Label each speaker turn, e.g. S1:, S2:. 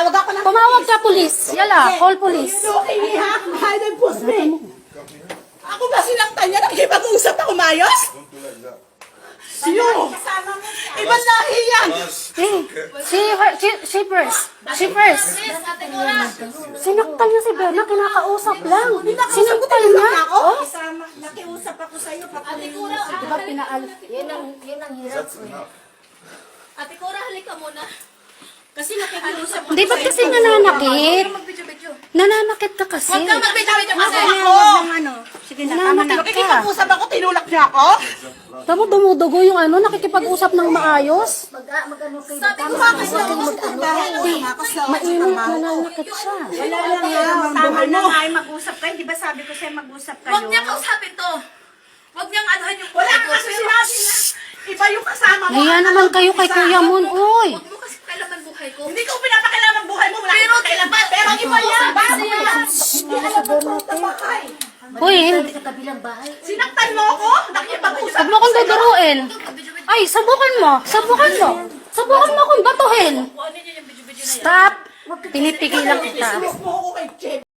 S1: Tumawag ako ng
S2: Tumawag ka, pulis. Yala, call police.
S1: Okay, ha? Hide and post me. Ako ba sinaktan niya? Nakikipag-usap ako mayos? Sino? Ibang lahi yan.
S2: She first. Sinaktan niya si Berna, kinakausap lang. Sinaktan niya. Oh?
S1: Nakiusap ako sa'yo.
S2: Diba pinaalis?
S3: Yan ang hirap. Ate Cora, halika muna. Kasi nakikiusap
S2: Hindi ba't kasi nananakit? Nananakit ka kasi.
S3: Huwag kang magbidyo-bidyo kasi.
S1: Sige na,
S2: tama na.
S1: Nakikipag-usap ako, tinulak niya ako.
S2: Tamo dumudugo yung ano, nakikipag-usap ng maayos.
S3: Mag-ano kayo.
S1: Sabi ko ba kasi
S2: Mainit, nananakit siya.
S1: Wala lang yan.
S4: Tama na nga ay mag-usap kayo. Di ba sabi ko sa'yo mag-usap kayo?
S3: Huwag niya kausapin to. Huwag niyang anuhan yung
S1: Wala ka kasi sinabi na. Iba yung kasama mo.
S2: Hiya naman kayo kay Kuya Mon, oy.
S3: Huwag mo kasi kailaman buhay ko.
S1: Hindi ko pinapakailangan ang buhay mo. Wala
S3: Pero
S1: kang kailangan. Pero iba yan. Bago yan. Hindi alam mo sa bahay.
S2: Hoy, hindi.
S3: Sa kabilang bahay.
S1: Sinaktan mo ako. Nakipag-usap.
S2: Huwag mo akong duduruin. Ay, sabukan mo. Sabukan mo. Sabukan mo akong batuhin.
S3: Kung ano niya yung bidyo-bidyo na yan.
S2: Stop. Pinipigilan kita.
S1: Sinis mo ako kay Jem.